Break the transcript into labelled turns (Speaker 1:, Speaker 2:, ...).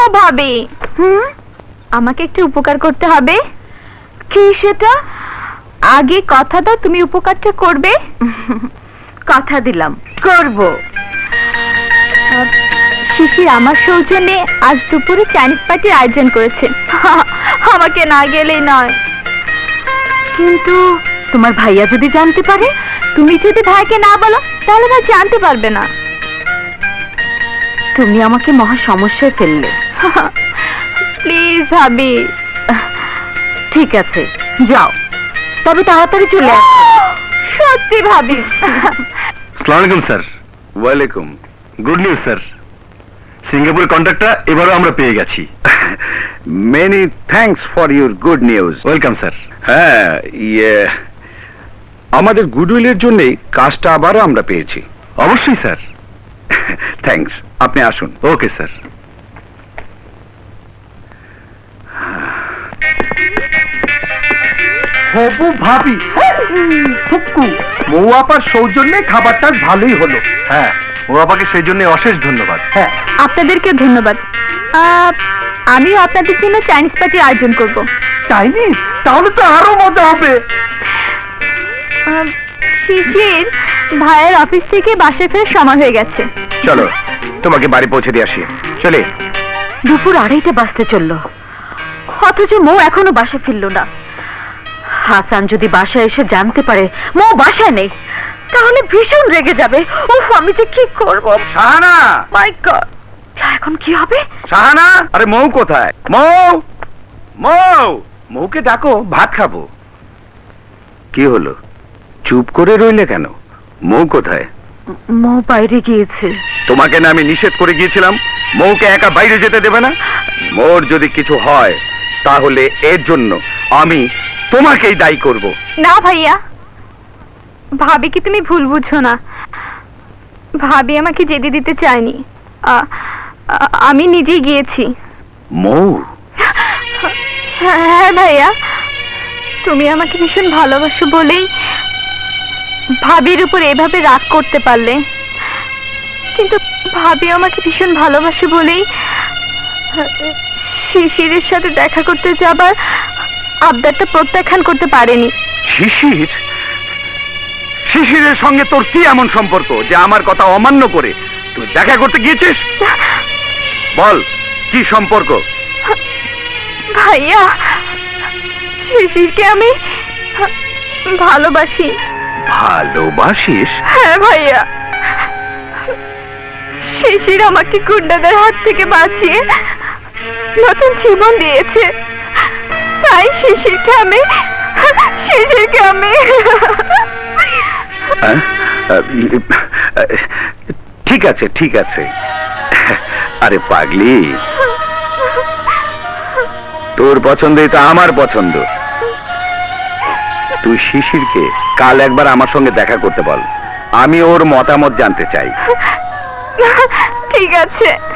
Speaker 1: ভাবি, আমাকে একটু উপকার করতে হবে। কি সেটা? আগে কথা দাও তুমি উপকারটা করবে। কথা দিলাম, করব। শিশির আমার সৌজন্যে আজ দুপুরে চাইনিজ পার্টির আয়োজন করেছে। আমাকে না গেলেই নয়। কিন্তু তোমার ভাইয়া যদি জানতে পারে? তুমি যদি ভাইকে না বলো তাহলে ভাই জানতে পারবে না। তুমি আমাকে মহা সমস্যায় ফেললে। প্লিজ ভাবি। ঠিক আছে, যাও, তবে তাড়াতাড়ি চলে আসো। সত্যি ভাবি।
Speaker 2: আসসালামু আলাইকুম স্যার। ওয়ালাইকুম। গুড নিউজ স্যার, সিঙ্গাপুর কন্ট্রাক্টটা এবারও আমরা পেয়ে গেছি।
Speaker 3: Many thanks for your good news.
Speaker 2: Welcome sir.
Speaker 3: হ্যাঁ, আমাদের গুডউইলের জন্যই কাজটা আবারও আমরা পেয়েছি।
Speaker 2: অবশ্যই স্যার।
Speaker 3: থ্যাঙ্কস, আপনি আসুন।
Speaker 2: Okay sir.
Speaker 4: হবু ভাবি ফুক্কু মৌয়াপার সৌজন্যে খাবারটা ভালোই হলো।
Speaker 2: হ্যাঁ, ও আপাকে সেই জন্য অশেষ ধন্যবাদ।
Speaker 4: হ্যাঁ,
Speaker 1: আপনাদেরকে ধন্যবাদ। আমিও আপনাদের জন্য চাইনিজ পার্টির আয়োজন করব।
Speaker 4: চাইনিজ? তাহলে তো আরো মজা হবে।
Speaker 1: শিশির ভাইয়ের অফিস থেকে বাসায় ফেরার সময় হয়ে গেছে।
Speaker 3: চলো, তোমাকে বাড়ি পৌঁছে দিয়ে আসি। চলে।
Speaker 1: দুপুর 2:30 বাজতে চলল, অথচ মৌ এখনো বাসা ফিরল না। হাসান যদি বাসায় এসে জানতে পারে মৌ বাসায় নেই, তাহলে ভীষণ রেগে যাবে। উফ, আমি যে কি করব।
Speaker 3: শাহানা!
Speaker 1: মাই গড, এখন কি হবে?
Speaker 3: শাহানা! আরে মৌ কোথায়? মৌ! মৌ! মৌকে ডাকো, ভাত খাবো। কি হলো, চুপ করে রইলে কেন? মৌ কোথায়?
Speaker 1: মৌ বাইরে গিয়েছে।
Speaker 3: তোমাকে না আমি নিষেধ করে গিয়েছিলাম মৌকে একা বাইরে যেতে দেবে না? মোর যদি কিছু হয় তাহলে এর জন্য আমি তোমাকেই দায়ী করব।
Speaker 1: না ভাইয়া, ভাবিকে তুমি ভুল বুঝছো না। ভাবি আমাকে যেতে দিতে চায়নি। আমি নিজেই গিয়েছি।
Speaker 3: মৌ!
Speaker 1: হ্যাঁ ভাইয়া, তুমি আমাকে ভীষণ ভালোবাসো বলেই ভাবির উপর এভাবে রাগ করতে পারলে। কিন্তু ভাবি আমাকে ভীষণ ভালোবাসে বলেই শিশিরের সাথে দেখা করতে যাবার আবদারটা প্রত্যাখ্যান করতে পারেনি।
Speaker 3: শিশির? শিশিরের সঙ্গে তোর কি এমন সম্পর্ক যে আমার কথা অমান্য করে তুই দেখা করতে গিয়েছিস? বল, কি সম্পর্ক?
Speaker 1: ভাইয়া, শিশিরকে আমি ভালোবাসি।
Speaker 3: ভালোবাসিস?
Speaker 1: হ্যাঁ ভাইয়া, শিশির আমাকে গুন্ডাদের হাত থেকে বাঁচিয়ে নতুন জীবন দিয়েছে, তাই শিশিরকে আমি
Speaker 3: ঠিক আছে, ঠিক আছে। আরে পাগলি, তোর পছন্দই তো আমার পছন্দ। তুই শিশিরকে কাল একবার আমার সঙ্গে দেখা করতে বল, আমি ওর মতামত জানতে চাই।
Speaker 1: ঠিক আছে।